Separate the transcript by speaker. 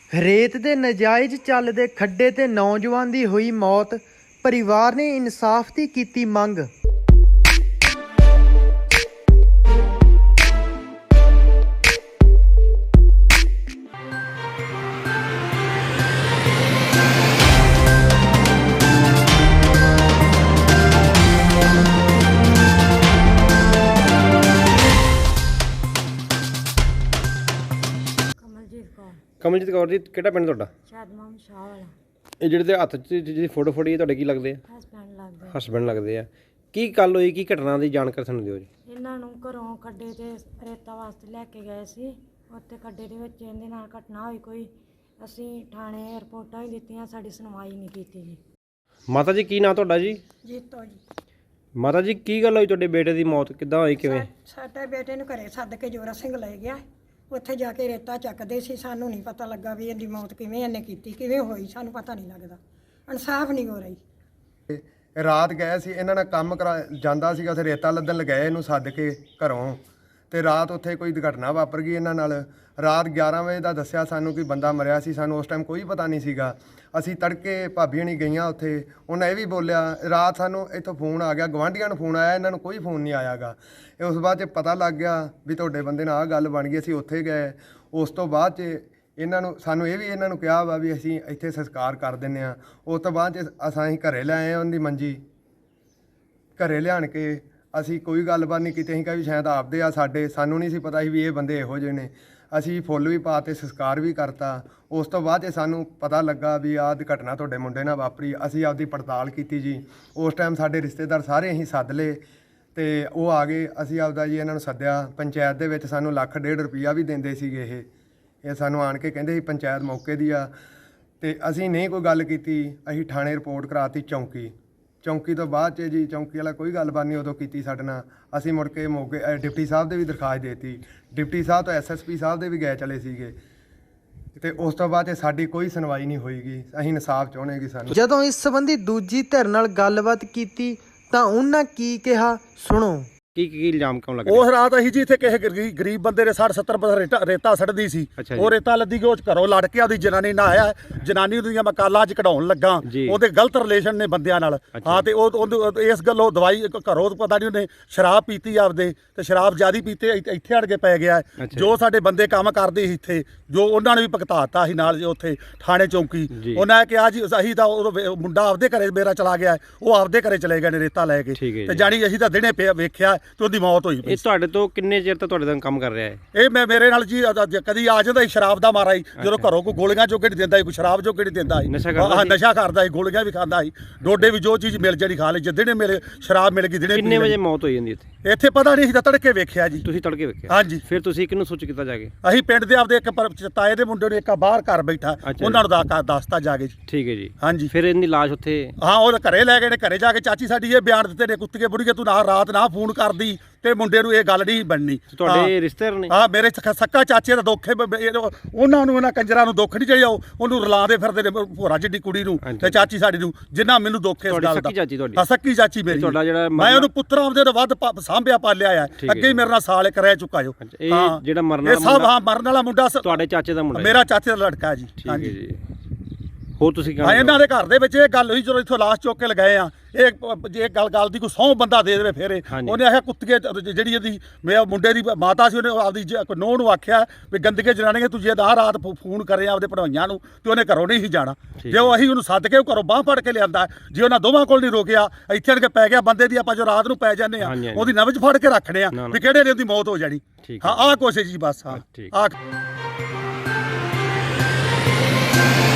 Speaker 1: ਰੇਤ ਦੇ ਨਜਾਇਜ਼ ਚੱਲਦੇ ਖੱਡੇ ਤੇ ਨੌਜਵਾਨ ਦੀ ਹੋਈ ਮੌਤ। ਪਰਿਵਾਰ ਨੇ ਇਨਸਾਫ ਦੀ ਕੀਤੀ ਮੰਗ।
Speaker 2: ਕਮਲਜੀਤ ਕੌਰ ਜੀ, ਕਿਹੜਾ ਪਿੰਡ ਤੁਹਾਡਾ?
Speaker 3: ਸ਼ਾਦਮਾਮ ਸ਼ਾਹ ਵਾਲਾ।
Speaker 2: ਇਹ ਜਿਹੜੇ ਦੇ ਹੱਥ 'ਚ ਜਿਹਦੀ ਫੋਟੋ ਫੜੀ ਹੈ ਤੁਹਾਡੇ ਕੀ ਲੱਗਦੇ ਆ?
Speaker 3: ਹਸਬੈਂਡ ਲੱਗਦਾ।
Speaker 2: ਹਸਬੈਂਡ ਲੱਗਦੇ ਆ। ਕੀ ਗੱਲ ਹੋਈ, ਕੀ ਘਟਨਾ ਦੀ ਜਾਣਕਾਰੀ ਸਾਨੂੰ ਦਿਓ ਜੀ।
Speaker 3: ਇਹਨਾਂ ਨੂੰ ਘਰੋਂ ਖੱਡੇ ਤੇ ਰੇਤਾ ਵਾਸਤੇ ਲੈ ਕੇ ਗਏ ਸੀ। ਉੱਥੇ ਖੱਡੇ ਦੇ ਵਿੱਚ ਇਹਦੇ ਨਾਲ ਘਟਨਾ ਹੋਈ ਕੋਈ। ਅਸੀਂ ਥਾਣੇ ਰਿਪੋਰਟਾਂ ਵੀ ਦਿੱਤੀਆਂ, ਸਾਡੀ ਸੁਣਵਾਈ ਨਹੀਂ ਕੀਤੀ ਜੀ।
Speaker 2: ਮਾਤਾ ਜੀ, ਕੀ ਨਾਂ ਤੁਹਾਡਾ ਜੀ?
Speaker 4: ਜੀਤੋ ਜੀ।
Speaker 2: ਮਾਤਾ ਜੀ, ਕੀ ਗੱਲ ਹੋਈ ਤੁਹਾਡੇ ਬੇਟੇ ਦੀ ਮੌਤ ਕਿੱਦਾਂ ਹੋਈ, ਕਿਵੇਂ?
Speaker 4: ਸਾਡੇ ਬੇਟੇ ਨੂੰ ਘਰੇ ਸੱਦ ਕੇ ਜੋਰਾ ਸਿੰਘ ਲੈ ਗਿਆ। ਉੱਥੇ ਜਾ ਕੇ ਰੇਤਾ ਚੱਕਦੇ ਸੀ। ਸਾਨੂੰ ਨਹੀਂ ਪਤਾ ਲੱਗਾ ਵੀ ਇਹਦੀ ਮੌਤ ਕਿਵੇਂ ਇਹਨੇ ਕੀਤੀ, ਕਿਵੇਂ ਹੋਈ, ਸਾਨੂੰ ਪਤਾ ਨਹੀਂ ਲੱਗਦਾ। ਇਨਸਾਫ ਨਹੀਂ ਹੋ ਰਹੀ।
Speaker 5: ਰਾਤ ਗਏ ਸੀ, ਇਹਨਾਂ ਨਾਲ ਕੰਮ ਕਰਾ ਜਾਂਦਾ ਸੀਗਾ, ਉੱਥੇ ਰੇਤਾ ਲੱਦਣ ਲਗਾਏ ਇਹਨੂੰ ਸੱਦ ਕੇ ਘਰੋਂ, ਤੇ ਰਾਤ ਉੱਥੇ ਕੋਈ ਦੁਰਘਟਨਾ ਵਾਪਰ ਗਈ ਇਹਨਾਂ ਨਾਲ। ਰਾਤ 11 ਵਜੇ ਦਾ ਦੱਸਿਆ ਸਾਨੂੰ ਕਿ ਬੰਦਾ ਮਰਿਆ ਸੀ। ਸਾਨੂੰ ਉਸ ਟਾਈਮ ਕੋਈ ਪਤਾ ਨਹੀਂ ਸੀਗਾ। ਅਸੀਂ ਤੜਕੇ ਭਾਬੀ ਹਣੀ ਗਈਆਂ ਉੱਥੇ, ਉਹਨਾਂ ਇਹ ਵੀ ਬੋਲਿਆ। ਰਾਤ ਸਾਨੂੰ ਇੱਥੋਂ ਫੋਨ ਆ ਗਿਆ, ਗਵਾਂਢੀਆਂ ਨੂੰ ਫੋਨ ਆਇਆ, ਇਹਨਾਂ ਨੂੰ ਕੋਈ ਫੋਨ ਨਹੀਂ ਆਇਆਗਾ। ਇਹ ਉਸ ਬਾਅਦ 'ਚ ਪਤਾ ਲੱਗ ਗਿਆ ਵੀ ਤੁਹਾਡੇ ਬੰਦੇ ਨਾਲ ਆਹ ਗੱਲ ਬਣ ਗਈ। ਅਸੀਂ ਉੱਥੇ ਗਏ। ਉਸ ਤੋਂ ਬਾਅਦ 'ਚ ਸਾਨੂੰ ਇਹ ਵੀ ਇਹਨਾਂ ਨੂੰ ਕਿਹਾ ਵਾ ਵੀ ਅਸੀਂ ਇੱਥੇ ਸੰਸਕਾਰ ਕਰ ਦਿੰਦੇ ਹਾਂ। ਉਸ ਤੋਂ ਬਾਅਦ 'ਚ ਅਸੀਂ ਘਰੇ ਲੈ ਆਏ ਉਹਦੀ ਮੰਜੀ। ਘਰੇ ਲਿਆਣ ਕੇ ਅਸੀਂ ਕੋਈ ਗੱਲਬਾਤ ਨਹੀਂ ਕੀਤੀ। ਅਸੀਂ ਕਿਹਾ ਵੀ ਸ਼ਾਇਦ ਆਪਦੇ ਆ ਸਾਡੇ, ਸਾਨੂੰ ਨਹੀਂ ਸੀ ਪਤਾ ਸੀ ਵੀ ਇਹ ਬੰਦੇ ਇਹੋ ਜਿਹੇ ਨੇ। ਅਸੀਂ ਫੁੱਲ ਵੀ ਪਾ ਤੇ ਸੰਸਕਾਰ ਵੀ ਕਰਤਾ। ਉਸ ਤੋਂ ਬਾਅਦ 'ਚ ਸਾਨੂੰ ਪਤਾ ਲੱਗਾ ਵੀ ਆਹ ਘਟਨਾ ਤੁਹਾਡੇ ਮੁੰਡੇ ਨਾਲ ਵਾਪਰੀ। ਅਸੀਂ ਆਪਦੀ ਪੜਤਾਲ ਕੀਤੀ ਜੀ। ਉਸ ਟਾਈਮ ਸਾਡੇ ਰਿਸ਼ਤੇਦਾਰ ਸਾਰੇ ਅਸੀਂ ਸੱਦ ਲਏ ਤੇ ਉਹ ਆ ਗਏ। ਅਸੀਂ ਆਪਦਾ ਜੀ ਇਹਨਾਂ ਨੂੰ ਸੱਦਿਆ। ਪੰਚਾਇਤ ਦੇ ਵਿੱਚ ਸਾਨੂੰ 1,50,000 ਰੁਪਈਆ ਵੀ ਦਿੰਦੇ ਸੀਗੇ। ਇਹ ਸਾਨੂੰ ਆਣ ਕੇ ਕਹਿੰਦੇ ਸੀ ਪੰਚਾਇਤ ਮੌਕੇ ਦੀ ਆ, ਤੇ ਅਸੀਂ ਨਹੀਂ ਕੋਈ ਗੱਲ ਕੀਤੀ। ਅਸੀਂ ਥਾਣੇ ਰਿਪੋਰਟ ਕਰਾਤੀ ਚੌਂਕੀ ਤੋਂ ਬਾਅਦ 'ਚ ਜੀ ਚੌਂਕੀ ਵਾਲਾ ਕੋਈ ਗੱਲਬਾਤ ਨਹੀਂ ਉਦੋਂ ਕੀਤੀ ਸਾਡੇ ਨਾਲ। ਅਸੀਂ ਮੁੜ ਕੇ ਮੌਕੇ ਡਿਪਟੀ ਸਾਹਿਬ ਦੇ ਵੀ ਦਰਖਾਸਤ ਦੇਤੀ। ਡਿਪਟੀ ਸਾਹਿਬ ਤੋਂ ਐਸਐਸਪੀ ਸਾਹਿਬ ਦੇ ਵੀ ਗਏ ਚਲੇ ਸੀਗੇ, ਤੇ ਉਸ ਤੋਂ ਬਾਅਦ 'ਚ ਸਾਡੀ ਕੋਈ ਸੁਣਵਾਈ ਨਹੀਂ ਹੋਈਗੀ। ਅਸੀਂ ਇਨਸਾਫ ਚਾਹੁੰਦੇ ਕਿ ਸਾਨੂੰ।
Speaker 1: ਜਦੋਂ ਇਸ ਸੰਬੰਧੀ ਦੂਜੀ ਧਿਰ ਨਾਲ ਗੱਲਬਾਤ ਕੀਤੀ ਤਾਂ ਉਹਨਾਂ ਕੀ ਕਿਹਾ, ਸੁਣੋ।
Speaker 2: ਕੀ ਇਲਜ਼ਾਮ ਕਿਉਂ ਲੱਗ
Speaker 6: ਉਸ ਰਾਤ ਅਸੀਂ ਜੀ ਇੱਥੇ ਕਿਸੇ ਗਰੀਬ ਬੰਦੇ ਦੇ 60-70% ਰੇਤਾ ਸੜਦੀ ਸੀ। ਉਹ ਰੇਤਾ ਲੱਦੀ ਕਿ ਉਹ ਘਰੋਂ ਲੜ ਕੇ ਆਪਦੀ ਜਨਾਨੀ ਨਾਲ ਆਇਆ। ਜਨਾਨੀ ਦੀਆਂ ਮੈਂ ਕਾਲਾਂ 'ਚ ਕਢਾਉਣ ਲੱਗਾ। ਉਹਦੇ ਗਲਤ ਰਿਲੇਸ਼ਨ ਨੇ ਬੰਦਿਆਂ ਨਾਲ। ਹਾਂ, ਤੇ ਉਹ ਇਸ ਗੱਲੋਂ ਦਵਾਈ ਘਰੋਂ ਪਤਾ ਨਹੀਂ ਉਹਨੇ ਸ਼ਰਾਬ ਪੀਤੀ ਆਪਦੇ, ਤੇ ਸ਼ਰਾਬ ਜ਼ਿਆਦੀ ਪੀਤੇ ਇੱਥੇ ਅੜ ਕੇ ਪੈ ਗਿਆ। ਜੋ ਸਾਡੇ ਬੰਦੇ ਕੰਮ ਕਰਦੇ ਸੀ ਇੱਥੇ, ਜੋ ਉਹਨਾਂ ਨੇ ਵੀ ਭੁਗਤਾਤਾ ਸੀ ਨਾਲ ਉੱਥੇ ਥਾਣੇ ਚੌਂਕੀ। ਉਹਨਾਂ ਨੇ ਕਿਹਾ ਜੀ ਅਸੀਂ ਤਾਂ ਉਹ ਮੁੰਡਾ ਆਪਦੇ ਘਰੇ ਮੇਰਾ ਚਲਾ ਗਿਆ, ਉਹ ਆਪਦੇ ਘਰੇ ਚਲੇ ਗਏ ਨੇ ਰੇਤਾ ਲੈ ਕੇ। ਤੇ ਜਾਣੀ ਅਸੀਂ ਤਾਂ ਦਿਨੇ ਵੇਖਿਆ ਤੇ ਉਹਦੀ ਮੌਤ ਹੋਈ।
Speaker 2: ਇਹ ਤੁਹਾਡੇ ਤੋਂ ਕਿੰਨੇ ਚਿਰ ਤੋਂ ਤੁਹਾਡੇ ਨਾਲ ਕੰਮ ਕਰ ਰਿਹਾ ਹੈ?
Speaker 6: ਇਹ ਮੇਰੇ ਨਾਲ ਜੀ ਕਦੀ ਆ ਜਾਂਦਾ ਸੀ ਸ਼ਰਾਬ ਦਾ ਮਾਰਾ ਹੀ। ਜਦੋਂ ਘਰੋਂ ਕੋਈ ਗੋਲੀਆਂ ਜੋਗੇ ਨਹੀਂ ਦਿੰਦਾ ਸੀ, ਕੋਈ ਸ਼ਰਾਬ ਜੋਗੇ ਨਹੀਂ ਦਿੰਦਾ ਸੀ। ਨਸ਼ਾ ਕਰਦਾ ਸੀ, ਗੋਲੀਆਂ ਵੀ ਖਾਂਦਾ ਸੀ, ਡੋਡੇ ਵੀ, ਜੋ ਚੀਜ਼ ਮਿਲ ਜਾਣੀ ਖਾ ਲਈ। ਜਿੱਦਣੇ ਮੇਰੇ ਸ਼ਰਾਬ ਮਿਲ ਗਈ ਦਿਨੇ।
Speaker 2: ਕਿੰਨੇ ਵਜੇ ਮੌਤ ਹੋਈ ਜਾਂਦੀ
Speaker 6: ਇੱਥੇ ਪਤਾ ਨਹੀਂ ਸੀ, ਤਾਂ ਤੜਕੇ ਵੇਖਿਆ ਜੀ।
Speaker 2: ਤੁਸੀਂ ਤੜਕੇ ਵੇਖਿਆ?
Speaker 6: ਹਾਂਜੀ।
Speaker 2: ਫਿਰ ਤੁਸੀਂ ਕਿਹਨੂੰ ਸੂਚਿਤ ਕੀਤਾ ਜਾ ਕੇ?
Speaker 6: ਅਸੀਂ ਪਿੰਡ ਦੇ ਆਪਦੇ ਇੱਕ ਤਾਏ ਦੇ ਮੁੰਡੇ ਨੂੰ, ਇੱਕ ਬਾਹਰ ਘਰ ਬੈਠਾ, ਉਹਨਾਂ ਨੂੰ ਦੱਸਤਾ ਜਾ ਕੇ ਜੀ।
Speaker 2: ਠੀਕ ਹੈ ਜੀ।
Speaker 6: ਹਾਂਜੀ।
Speaker 2: ਫਿਰ ਇਹਦੀ ਲਾਸ਼ ਉੱਥੇ?
Speaker 6: ਹਾਂ, ਉਹ ਘਰੇ ਲੈ ਗਏ ਨੇ। ਘਰੇ ਜਾ ਕੇ ਚਾਚੀ ਸਾਡੀ ਇਹ ਬਿਆਨ ਦਿੱਤੇ ਨੇ, ਕੁੱਤੀਏ ਬੁੜੀਏ ਤੂੰ ਨਾ ਰਾਤ ਨਾ ਫੋਨ ਕਰਦੀ ਤੇ ਮੁੰਡੇ ਨੂੰ ਇਹ ਗੱਲ ਨਹੀਂ ਬਣਨੀ।
Speaker 2: ਤੁਹਾਡੇ ਰਿਸ਼ਤੇਦਾਰ ਨੇ?
Speaker 6: ਹਾਂ, ਮੇਰੇ ਸੱਕਾ ਚਾਚੇ ਦਾ ਦੁੱਖ ਹੈ। ਉਹਨਾਂ ਨੂੰ, ਇਹਨਾਂ ਕੰਜਰਾਂ ਨੂੰ ਦੁੱਖ ਨਹੀਂ ਚਾਹੀਦਾ। ਉਹਨੂੰ ਰਲਾਉਂਦੇ ਫਿਰਦੇ ਨੇ ਭੋਰਾ ਜਿੱਡੀ ਕੁੜੀ ਨੂੰ ਤੇ ਚਾਚੀ ਸਾਡੀ ਨੂੰ, ਜਿੰਨਾ ਮੈਨੂੰ ਦੁੱਖ ਹੈ ਇਸ ਗੱਲ ਦਾ।
Speaker 2: ਸੱਕੀ ਚਾਚੀ ਤੁਹਾਡੀ?
Speaker 6: ਹਾਂ, ਸੱਕੀ ਚਾਚੀ ਮੇਰੀ।
Speaker 2: ਤੁਹਾਡਾ ਜਿਹੜਾ
Speaker 6: ਮੈਂ ਉਹਨੂੰ ਪੁੱਤਰ ਆਪਦੇ ਤੋਂ ਵੱਧ ਸਾਂਭਿਆ ਪਾਲਿਆ ਆ। ਅੱਗੇ ਹੀ ਮੇਰੇ ਨਾਲ ਸਾਲ ਇੱਕ ਰਹਿ ਚੁੱਕਾ ਜੋ।
Speaker 2: ਇਹ ਜਿਹੜਾ ਮਰਨ
Speaker 6: ਵਾਲਾ ਮੁੰਡਾ, ਹਾਂ ਮਰਨ ਵਾਲਾ ਮੁੰਡਾ
Speaker 2: ਤੁਹਾਡੇ ਚਾਚੇ ਦਾ ਮੁੰਡਾ?
Speaker 6: ਮੇਰਾ ਚਾਚੇ ਦਾ ਲੜਕਾ ਜੀ।
Speaker 2: ਹਾਂਜੀ ਜੀ। ਹੋਰ ਤੁਸੀਂ
Speaker 6: ਹਾਂ, ਇਹਨਾਂ ਦੇ ਘਰ ਦੇ ਵਿੱਚ ਇਹ ਗੱਲ ਹੋਈ ਜਦੋਂ ਇੱਥੋਂ ਲਾਸ਼ ਚੁੱਕ ਕੇ ਲਗਾਏ ਆ। ਇਹ ਗੱਲ ਦੀ ਕੋਈ ਸਹੁੰ ਬੰਦਾ ਦੇ ਦੇਵੇ ਫਿਰ ਉਹਨੇ ਆਖਿਆ ਕੁੱਤੀਏ, ਜਿਹੜੀ ਇਹਦੀ ਮੇਰੇ ਮੁੰਡੇ ਦੀ ਮਾਤਾ ਸੀ, ਉਹਨੇ ਆਪਦੀ ਨੂੰਹ ਨੂੰ ਆਖਿਆ ਵੀ ਗੰਦਗੇ ਜਨਾਨੀਆਂ ਤੂੰ ਜੇ ਆਹ ਰਾਤ ਫੋਨ ਕਰੇ ਆਪਦੇ ਭਣਵਈਆਂ ਨੂੰ, ਤੇ ਉਹਨੇ ਘਰੋਂ ਨਹੀਂ ਸੀ ਜਾਣਾ। ਜੇ ਉਹ ਅਸੀਂ ਉਹਨੂੰ ਸੱਦ ਕੇ ਘਰੋਂ ਬਾਂਹ ਫੜ ਕੇ ਲਿਆਂਦਾ, ਜੇ ਉਹਨਾਂ ਦੋਵਾਂ ਕੋਲ ਨਹੀਂ ਰੋਕਿਆ, ਇੱਥੇ ਅੜ ਕੇ ਪੈ ਗਿਆ ਬੰਦੇ ਦੀ। ਆਪਾਂ ਜੋ ਰਾਤ ਨੂੰ ਪੈ ਜਾਂਦੇ ਆ, ਉਹਦੀ ਨਬਜ਼ ਫੜ ਕੇ ਰੱਖਦੇ ਆ ਵੀ ਕਿਹੜੇ ਨੇ ਉਹਦੀ ਮੌਤ ਹੋ ਜਾਣੀ। ਹਾਂ, ਆਹ ਕੋਸ਼ਿਸ਼ ਜੀ ਬਸ। ਹਾਂ, ਆਹ